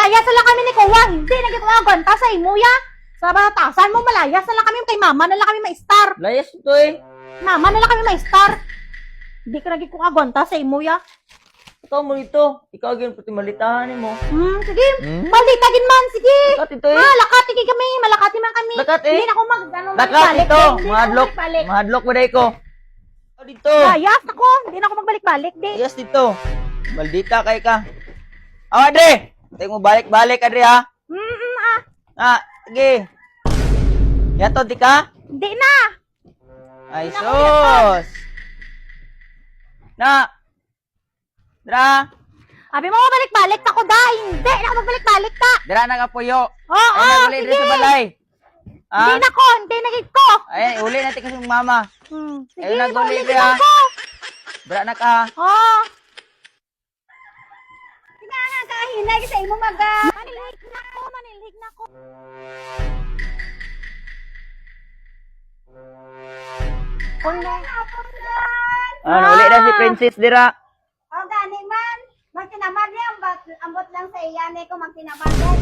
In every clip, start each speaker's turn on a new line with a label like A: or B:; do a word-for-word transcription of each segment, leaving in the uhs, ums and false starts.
A: malayas na lang kami ni Kuya. Hindi, nagkikuha sa imo ya. Sa batasan mo, malayas na lang kami kay mama na lang kami ma-star.
B: Layas ito eh.
A: Mama na lang kami ma-star. Hindi ka nagkikuha sa imo ya.
B: Ikaw mo dito. Ikaw agin pati malitahan mo.
A: Hmm, sige.
B: Hmm?
A: Balitagin man, sige.
B: Lakat ito eh.
A: Ah, lakati kay kami. Malakati man kami.
B: Lakat eh.
A: Hindi na ako mag, ano,
B: Lakat
A: magbalik.
B: ito.
A: Hindi na ako
B: Mahadlok.
A: magbalik.
B: Mahadlok mo dahil ko. Ikaw dito.
A: Layas ako. Hindi na ako magbalik-balik, di.
B: Layas dito. Maldita kay ka. Aw, Adre. Tayo mo balik-balik, Adre ha.
A: Hmm, hmm, ah.
B: Ah, sige. Yato, di ka?
A: Hindi na.
B: Ay,
A: Hindi na ako
B: sus. Na. Dra.
A: Sabi mo, balik-balik ako da. Hindi na ako magbalik-balik ka.
B: Dra na ka puyo.
A: Oo,
B: Ay,
A: oh,
B: naguli
A: sige.
B: dito sa balay.
A: Hindi
B: Ah,
A: na ko. Hindi na gid ko.
B: ay, uli natin kasi yung mama.
A: Hmm. Sige,
B: Ayun na, guli
A: maulit
B: dra.
A: ako.
B: Dra na ka.
A: Oo. Sige nga, kahinay sa imo mag... ah, Manilhig na ko, manilhig na ko. Kung na...
B: Ah, uli na si Princess Dira.
C: O gani man, magtinamad niya, ambot, ambot lang sa iyan eh kung magtinamad yan.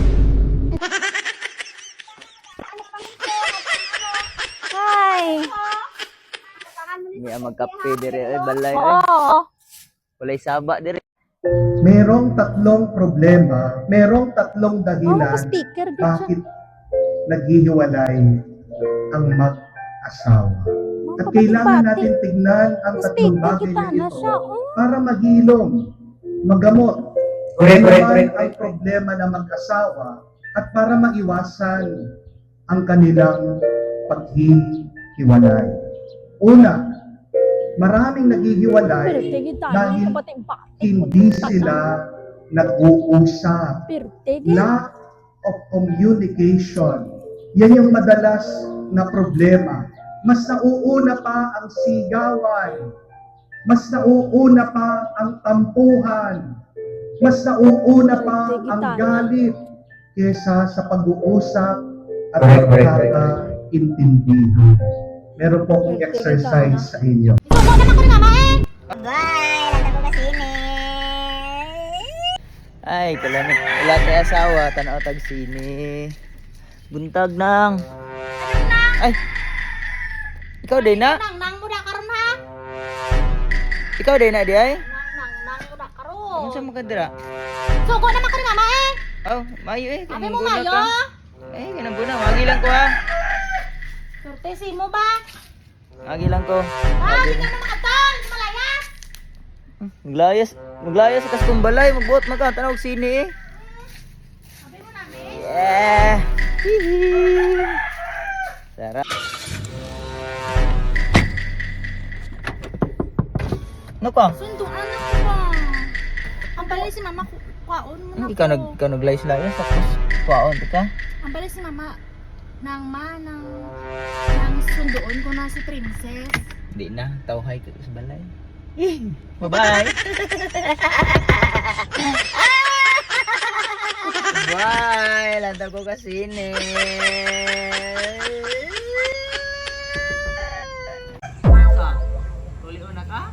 C: Ano pang ito?
A: Ay.
C: Tatangan mo
B: Hindi
C: nito.
B: ang magkape dire ay balay.
A: Oo.
B: Ay, walay saba dire.
D: Merong tatlong problema, merong tatlong
A: Oo,
D: dahilan
A: speaker din siya.
D: bakit naghihiwalay ang mag-asawa. At kailangan natin tignan ang tatlong
A: Speaker
D: bagay
A: kita
D: na
A: na
D: ito
A: siya. Oh.
D: para maghilom, magamot.
E: Correct,
D: Ano
E: correct,
D: man
E: correct,
D: ang problema ng mag-asawa at para maiwasan ang kanilang paghihiwalay. Una, maraming naghihiwalay dahil hindi sila nag-uusap. Lack of communication. Yan yung madalas na problema. Mas nauuna pa ang sigawan. Mas nauuna pa ang tampuhan. Mas nauuna pa ang galit kesa sa pag-uusap at
E: Correct, correct, correct.
D: pagkakaintindihan. Meron po akong exercise sa inyo.
A: Ikaw mo naman ko ni mama eh.
C: Bye! Lata ko kasini!
B: Ay, kalamit. Wala tayo asawa, tanaw tag sini. Buntag nang. Ay. Ikaw din na?
A: Nang nang mo na karon ha.
B: Ikaw din na di ay?
A: Nang nang nang mo na karon.
B: Ano sa mga dira?
A: Sugo naman ko ni mama eh.
B: Oh, mayo eh.
A: Sabi mo
B: Kanang guna
A: mayo.
B: ka. Eh, kanang guna. Magi lang ko ha.
A: Surte si mo ba?
B: Magi lang ko.
A: Ah, hindi na makatol. Malayas.
B: Maglayas. Maglayas kasi kung balay. Magbuot maka. Tanaw sini eh.
A: Sabi mo namin.
B: Yeah. Hihi. Sarap. Ano ka?
A: Sunduan ako ba? Ang balay si mama ku- kuwaon mo na
B: Hindi ka nag ka naglayas-layas tapos kuwaon ka.
A: Ang balay si mama nang ma nang nang sunduon ko na si Princess.
B: Hindi na, tawhay ka sa balay. Eh, bye-bye. Bye, lantag ko kasi ni. Ah, uli una ka?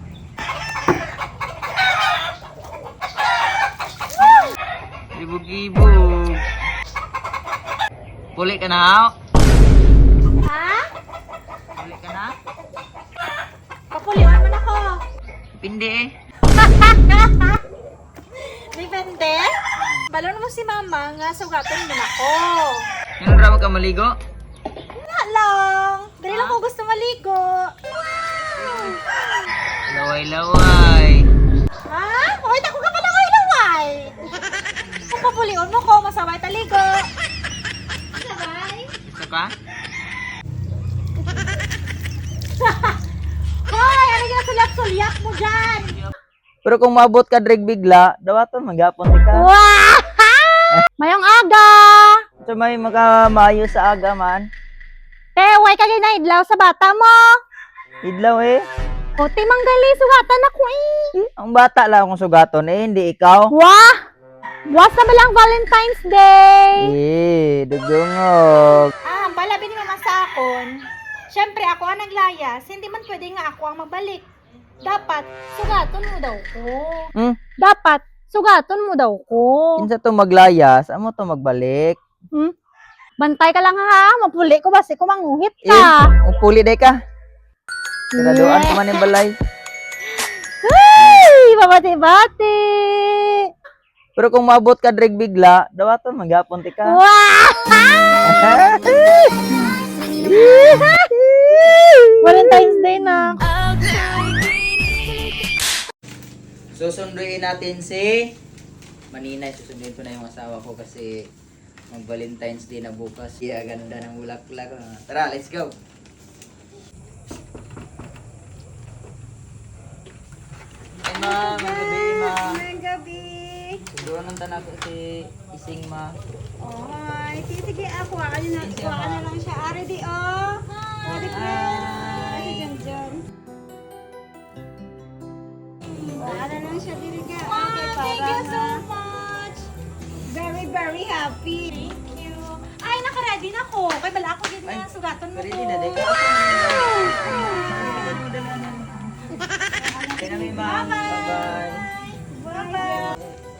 B: Ibog-ibog. Puli ka na, ha?
A: Ha?
B: Puli ka na?
A: Papuliwan man ako.
B: Pindi eh.
A: Depende. Balon mo si mama nga sugaton mo ako.
B: Ano raw ka maligo?
A: Nga lang. Dali lang ko gusto maligo.
B: Laway-laway.
A: Ha? Wait ako ka pala kayo laway. Kung papuliwan mo ko, masaway taligo. Sabay?
B: Gusto ka?
A: Hoy, ano yung sulyap-sulyap mo dyan?
B: Pero kung mabot ka drag bigla, dawaton magapon di ka.
A: Wow! Mayong aga!
B: So may makamayo sa aga man.
A: Te, way ka na idlaw sa bata mo.
B: Idlaw eh.
A: O, te, manggali, sugatan ako eh.
B: Ang bata lang akong sugaton eh, hindi ikaw.
A: Wah! Buwas na ba lang Valentine's Day?
B: Eh, dugungog.
A: Ah, balabi ni mama sa akon. Siyempre, ako ang naglayas. Hindi man pwede nga ako ang magbalik. Dapat, sugaton mo daw ko.
B: Hmm?
A: Dapat, Sugaton mo daw ko.
B: Kinsa to maglayas, amo to magbalik.
A: Hmm? Bantay ka lang ha, mapuli ko basi ko manguhit
B: Eh,
A: ka.
B: upuli day ka. Siraduan ko man yung balay.
A: Ay, babati-bati.
B: Pero kung maabot ka dreg bigla, dawaton maghapon ti ka.
A: Wow! Valentine's Day na.
B: Susunduin natin si Maninay. Susunduin ko na yung asawa ko kasi mag Valentine's Day na bukas. Iya, ganda ng bulaklak. Ah, Tara, let's go. Hey ma, magabi ma.
C: Ngayong gabi.
B: Sunduan ng tanak ko si Ising ma.
C: Oy, sige, sige, ako. Ano na,
B: Sige,
C: kuha
B: ma.
C: na lang siya. Ari di, oh. Ari di. Ari dyan, dyan. Kuha na lang siya, diri ka. Okay,
A: Thank you so
C: para
A: much.
C: very, very happy.
A: Thank you. Ay, naka-ready na ko. Kay bala ako din na sugaton mo
B: Ready
A: ko.
B: na, day ka. Kaya namin ma. Bye-bye.
C: Bye-bye.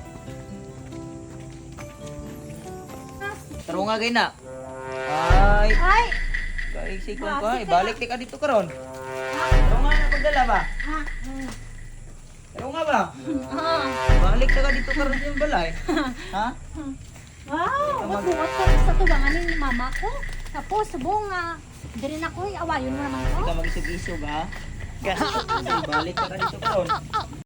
B: Taro nga gay na. Ay.
A: Ay,
B: Kaisig ko ko. Ibalik ti ka dito karon. Taro nga na pagdala ba? Taro nga ba?
A: ah.
B: Balik ka dito karon sa yung balay. Ha?
A: Wow, magbuhat ko sa tubangan ni mama ko. Tapos, subong nga, diri na ko, awayon mo naman ko.
B: Ikaw mag-isog-isog ha? Balik ka dito karon.